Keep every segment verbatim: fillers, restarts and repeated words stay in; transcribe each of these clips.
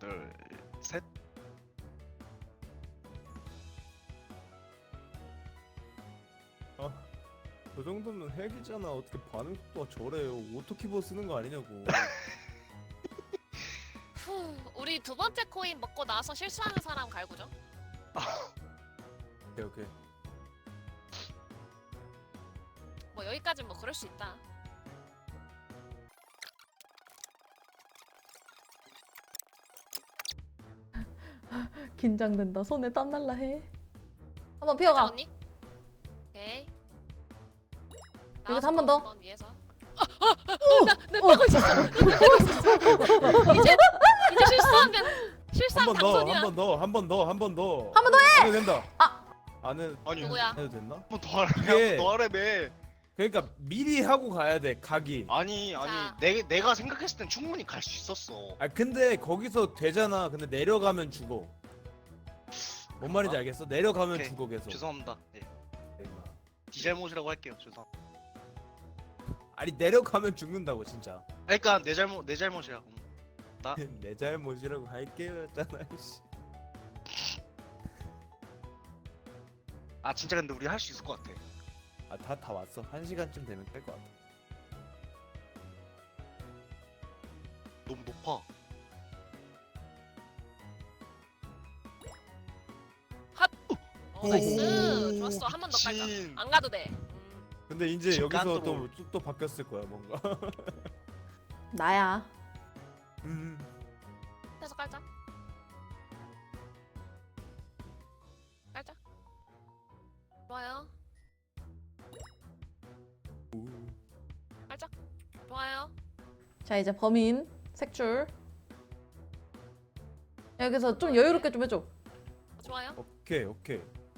둘, 셋. 그 정도면 핵이잖아. 어떻게 반응 속도가 저래요? 오토키보 쓰는 거 아니냐고. 후, 우리 두 번째 코인 먹고 나서 실수하는 사람 갈구죠. 오케이 오케이. 뭐 여기까지 뭐 그럴 수 있다. 긴장된다. 손에 땀 날라 해. 한번 자, 피어가. 언니. 오케이. 여기서 한번 더. 한번 위에서. 나내 빼고 있었어. 나 빼고 있었어. 이제 이제 실수하면 한 실수하면 번 더, 당선이야. 한 번 더, 한 번 더, 한 번 더. 한번 더 해. 안 해도 된다. 아. 안 해, 아니 누구야? 해도 됐나? 한번 더 하래. 이게- 한번 더 하래매. 그러니까 미리 하고 가야 돼. 각이. 아니 아니 자. 내 내가 생각했을 땐 충분히 갈 수 있었어. 아 근데 거기서 되잖아. 근데 내려가면 죽어. 뭔 말인지 알겠어? 내려가면 오케이. 죽어 계속. 죄송합니다. 예. 네 잘못이라고 할게요. 죄송. 아니 내려가면 죽는다고 진짜. 그러니까 내 잘못 내 잘못이야. 음. 내 잘못이라고 할게요 했잖아. 씨. 아 진짜 근데 우리 할 수 있을 것 같아. 아다 다 왔어. 한 시간쯤 되면 될 것 같아. 너무 높아. 어, 나이스. 좋았어. 한 번 더 깔자. 진. 안 가도 돼. 음. 근데 이제 잠깐 여기서 또- 또, 또, 또 바뀌었을 거야 뭔가. 나야. 음. 해서 깔자. 깔자. 좋아요. 깔자. 좋아요. 자 이제 범인 색줄. 여기서 좀 여유롭게 좀 해줘. 좋아요. 오케이 오케이.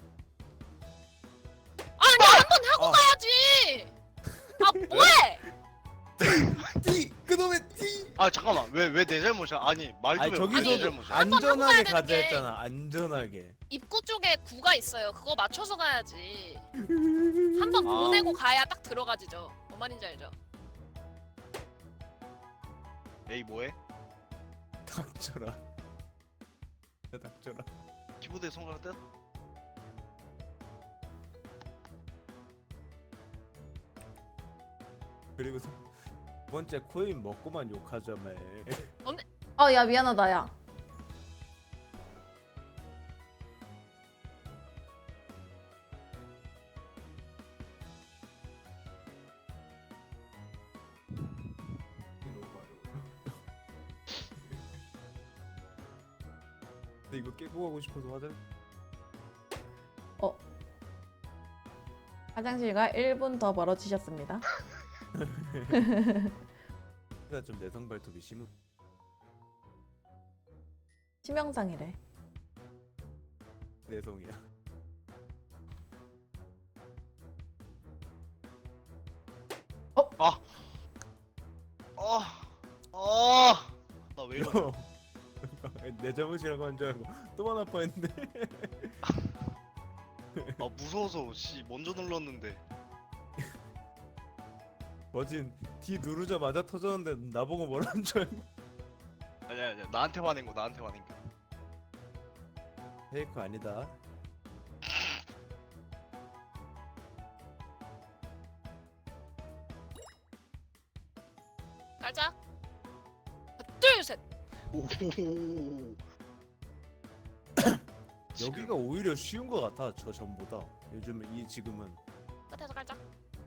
아니 한 번 하고 아. 가야지. 아 뭐해? 띠 그놈의 띠. 아 잠깐만 왜 왜 내 잘못이야? 아니 말 아니 좀 해. 저기서 왜내 잘못이야? 한 번 하고 안전하게 가야 가자 되는 게- 했잖아. 안전하게. 입구 쪽에 구가 있어요. 그거 맞춰서 가야지. 한 번 아. 보내고 가야 딱 들어가지죠. 뭔 말인지 알죠? 에이 뭐해? 닥쳐라. 야, 닥쳐라. 키보드에 손가락 떼? 그리고 두 번째 코인 먹고만 욕하자며. 아 야 미안하다 야. 근데 이거 깨고 가고 싶어서 화장. 화장실과 일 분 더 멀어지셨습니다. 가 좀 내성 발톱이 심해. 치명상이래. 내성이야. 어. 어. 나 왜 이러? 형. 내 잘못이라고 한 줄 알고 또만 아파했는데. 아 무서워서 씨 먼저 눌렀는데. 머진 D 누르자마자 터졌는데 나보고 뭐라는 줄 알고. 아니야 아니야 나한테 화낸 거 나한테 화낸 거. 페이크 아니다. 깔자. 하나, 둘, 셋. 오. 여기가 오히려 쉬운 것 같아. 저 전보다. 요즘 이 지금은. 끝에서 깔자.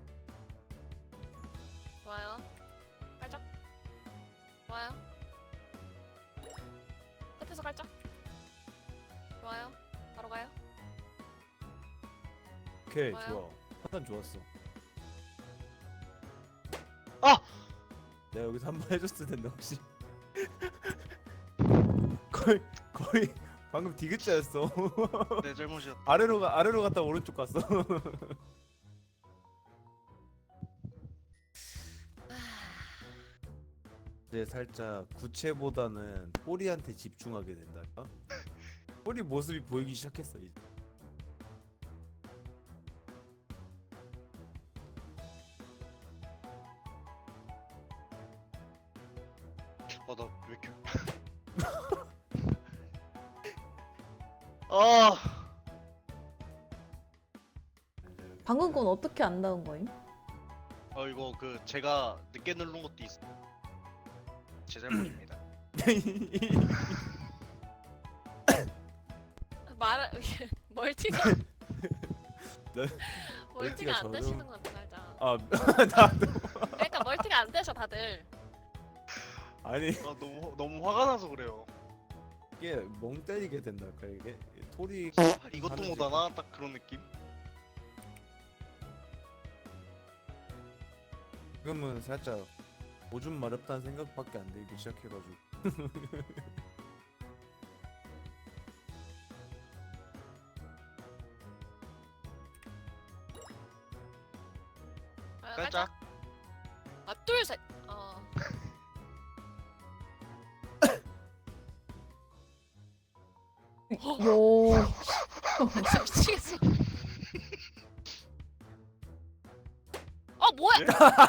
좋아요. 깔자. 좋아요. 끝에서 깔자. 좋아요. 바로 가요. 오케이 좋아요. 좋아. 판단 좋았어. 아! 내가 여기서 한 번 해줬을 텐데 혹시. 거의 거의 방금 디귿자였어. 내 잘못이었다. 아래로 가 아래로 갔다 오른쪽 갔어. 이제 살짝 구체보다는 꼬리한테 집중하게 된달까? 꼬리 모습이 보이기 시작했어 이제. 아나 왜 이렇게 아 방금 건 어떻게 안 나온 거임? 어 이거 그 제가 늦게 누른 것도 있어. 제 잘못입니다. 말 멀티가 네. 멀티가 멀티가 안 저도- 되시는 건 살짝. 아 나도 그러니까 멀티가 안 되셔 다들. 아니 아 너무 너무 화가 나서 그래요. 이게 멍 때리게 된달까 이게 토리 아, 이것도 하는지. 못하나 딱 그런 느낌. 지금은 살짝 오줌 마렵다는 생각밖에 안 들기 시작해가지고 아, 깔짝. 아, 둘 셋. 어. 요. 진짜 미치겠어. 어 뭐야?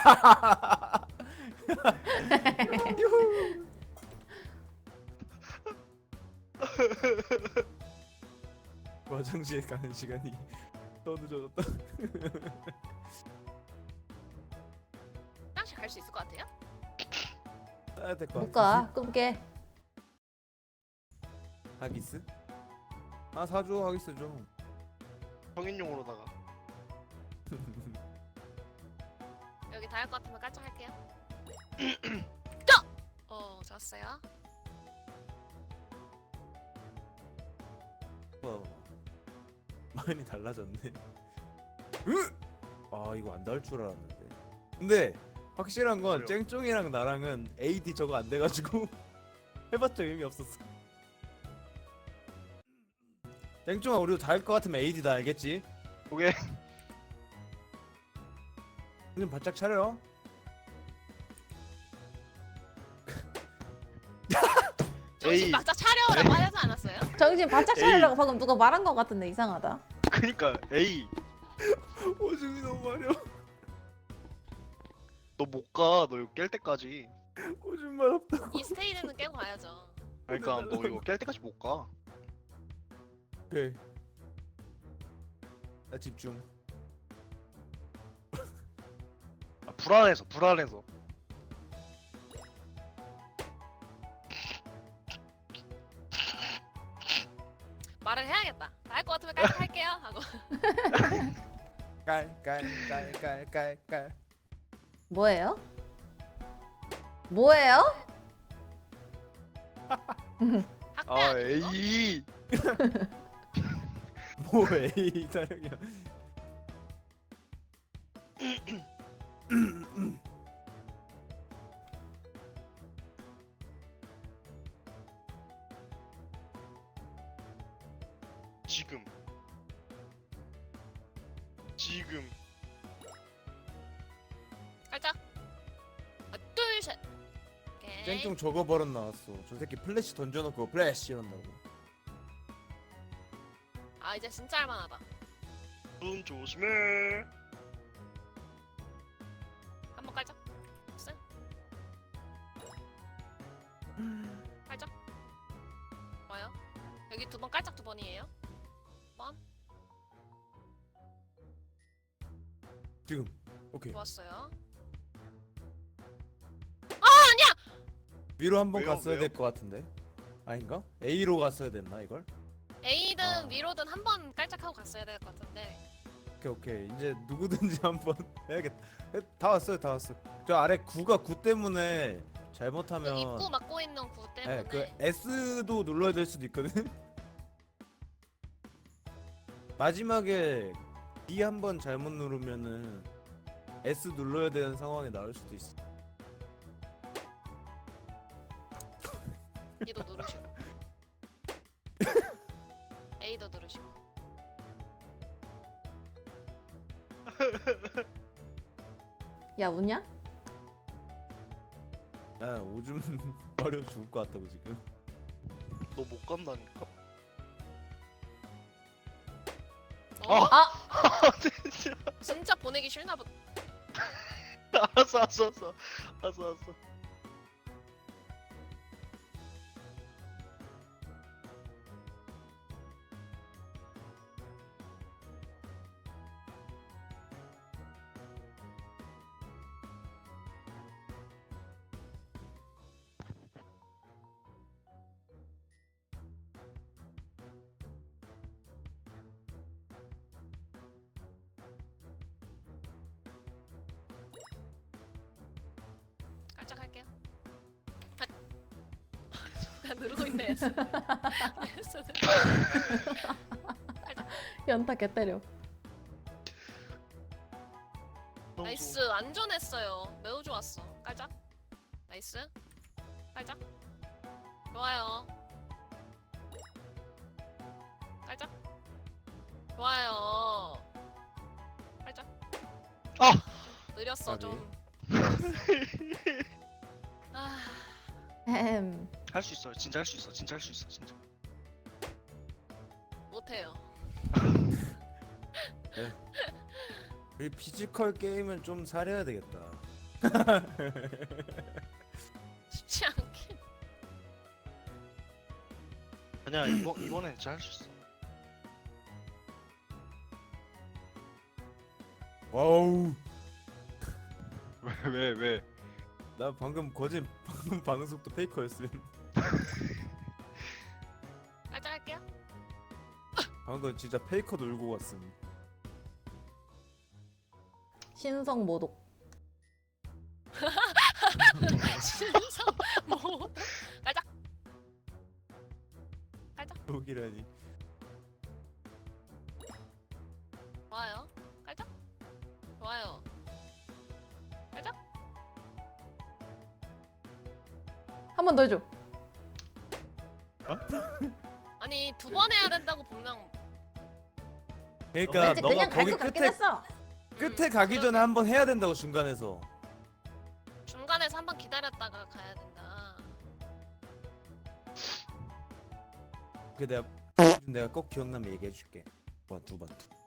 화장실 가는 시간이 더 늦어졌다. 화장실 갈 수 있을 것 같아요? 따야 될 것 못 같아. 가. 끊게. 하기스? 아 사줘 하기스 좀. 성인용으로다가. 여기 다 할 것 같으면 깔짝 할게요. 자! 어 좋았어요. 와, 많이 달라졌네. 으! 아 이거 안 닿을 줄 알았는데. 근데 확실한 건 그래요? 쨍쫑이랑 나랑은 에이디 저거 안 돼가지고 해봤자 의미 없었어. 쨍쫑아 우리도 닿을 것 같으면 에이디다 알겠지? 오케이. 좀 바짝 차려. 정신 에이. 바짝 차려라고 하지 않았어요? 정신 바짝 차리라고 방금 누가 말한 것 같은데 이상하다. 그니까 에이 오줌이 너무 마려. 너 못 가. 너 이거 깰 때까지. 오줌 마렵다. 이 스테이지는 깨고 가야죠. 그러니까 너 이거 깰 때까지 못 가. 오케이. 나 집중. 아, 불안해서 불안해서. 말을 해야겠다. 다 할 것 같으면 깔짝 할게요 하고. 깔깔깔깔깔깔. 뭐예요? 뭐예요? 학대 아 아니에요? 에이. 뭐 에이 사령이야. 지금. 지금. 깔짝. 아, 둘 셋. 오케이. 쨍쫑 저거 버릇 나왔어. 저 새끼 플래시 던져놓고 플래시 이런다고. 아 이제 진짜 할만하다. 눈 조심해. 한번 깔짝. 쓱. 깔짝. 좋아요. 여기 두 번 깔짝 두 번이에요. 번. 지금. 오케이. 좋았어요. 위로 한 번 왜요? 갔어야 왜요? 될 것 같은데. 아닌가? A로 갔어야 됐나 이걸? A든 아. 위로든 한 번 깔짝하고 갔어야 될 것 같은데. 오케이 오케이. 이제 누구든지 한번 해야겠다. 에, 다 왔어요 다 왔어. 저 아래 구가 구 때문에 그 잘못하면 입구 막고 있는 구 때문에. 네, 그 S도 눌러야 될 수도 있거든. 마지막에 D 한 번 잘못 누르면은 S 눌러야 되는 상황이 나올 수도 있어. D도 누르시고. A도 누르시고. 야 우냐? 야 오줌 마려 죽을 것 같다고 지금. 너 못 간다니까. 어? 아! 진짜. 진짜 보내기 싫나 보다. 알았어 알았어 알았어. 알았어 알았어. 다 누르고 있네. S. S. 연타 개 때려. 너무 나이스 좋아. 안전했어요. 매우 좋았어. 깔짝. 나이스. 깔짝. 좋아요. 깔짝. 좋아요. 깔짝. 아! 느렸어 까비. 좀. 아, 햄. 할 수 있어. 진짜 할 수 있어. 진짜 할 수 있어. 진짜. 못해요. 이 피지컬 게임은 좀 잘해야 되겠다. 쉽지 않게. 아니야 이번 이번엔 진짜 할 수 있어. 와우. 왜 왜 왜? 나 방금 거짓 방금 반응 속도 페이커였음. 깔짝 할게요. 방금 진짜 페이커 놀고 갔음. 신성 모독. 신성 뭐? 깔짝. 깔짝. 독이라니. 좋아요. 깔짝. 좋아요. 깔짝. 한 번 더 해줘. 아니 두 번 해야 된다고 분명. 그러니까 이제 너가 그냥 갈 거기 것 같긴 끝에 했어. 끝에 가기 전에 한 번 해야 된다고 중간에서. 중간에서 한 번 기다렸다가 가야 된다. 그 내가 내가 꼭 기억나면 얘기해 줄게. 번 두 번.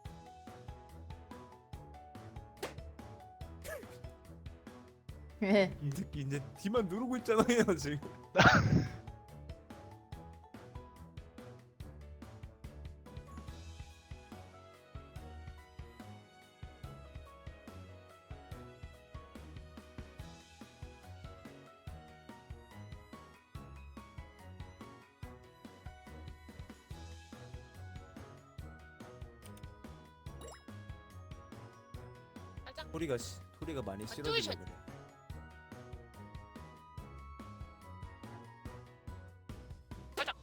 예. 이 새끼 이제 뒤만 누르고 있잖아요 지금. 깔짝. 소리가 시, 소리가 많이 뚜이셔. 싫어지려 그래. 깔짝.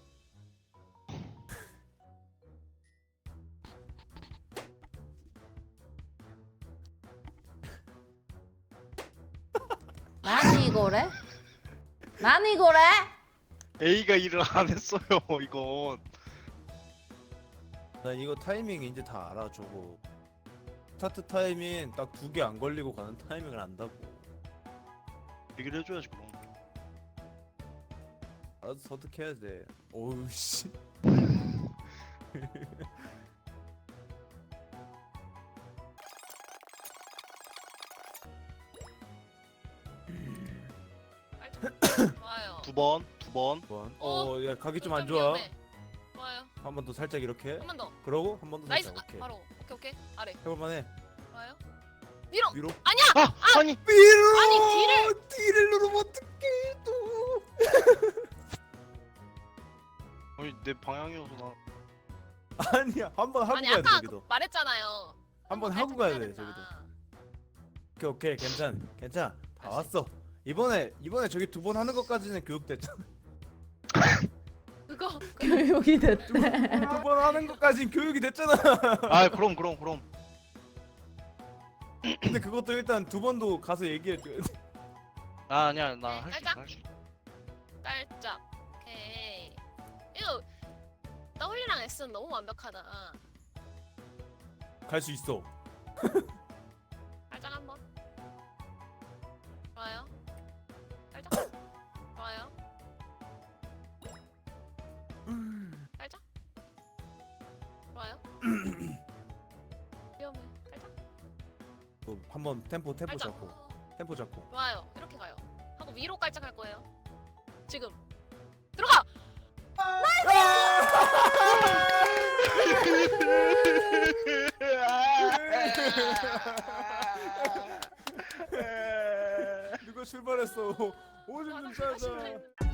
난 이거래? 난 이거래? A가 일을 안 했어요 이건. 난 이거 타이밍 이제 다 알아 저거. 스타트 타이밍 딱 두 개 안 걸리고 가는 타이밍을 안다고. 얘기를 해줘야지 그럼. 알아서 설득해야 돼. 어우 씨. 깔짝. 좋아요. 두 번, 두 번. 번. 어? 어, 야 가기 좀 좀 안 좋아. 위험해. 좋아요. 한 번 더 살짝 이렇게. 한 번 더. 그러고 한 번 더 나이스. 살짝. 아, 오케이. 바로. 오케이 오케이. 아래. 해볼만해. 좋아요. 밀어. 위로. 아니야. 아 아니. 위로. 아니, 뒤를- 뒤를 누르면 어떡해 또. 아니 내 방향이어서 나. 아니야 한 번 하고 아니 가야 돼 아까 저기도. 말했잖아요. 한 번 살짝 하고 가야 해야 돼 된다. 저기도. 오케이 오케이 괜찮 괜찮 다 알았어. 왔어. 이번에 이번에 저기 두 번 하는 것까지는 교육됐잖아. 그거 교육이 됐대. 두 번 하는 것까지는 교육이 됐잖아. 아 그럼 그럼 그럼. 근데 그것도 일단 두 번도 가서 얘기해 줘야 돼. 아 아니야 나 할 수 있어 살짝. 할 수 있어. 깔짝. 오케이. 이거 W랑 S는 너무 완벽하다. 갈 수 있어. 깔짝 한번. 좋아요. 깔짝. 좋아요. 깔짝. 좋아요. 위험해. 깔짝. 또 한번 템포 템포 깔짝. 잡고 템포 잡고. 좋아요. 이렇게 가요. 하고 위로 깔짝 할 거예요. 지금. 들어가. 누가 출발했어? 오줌 좀 하나 싸자. 하실라 했는데.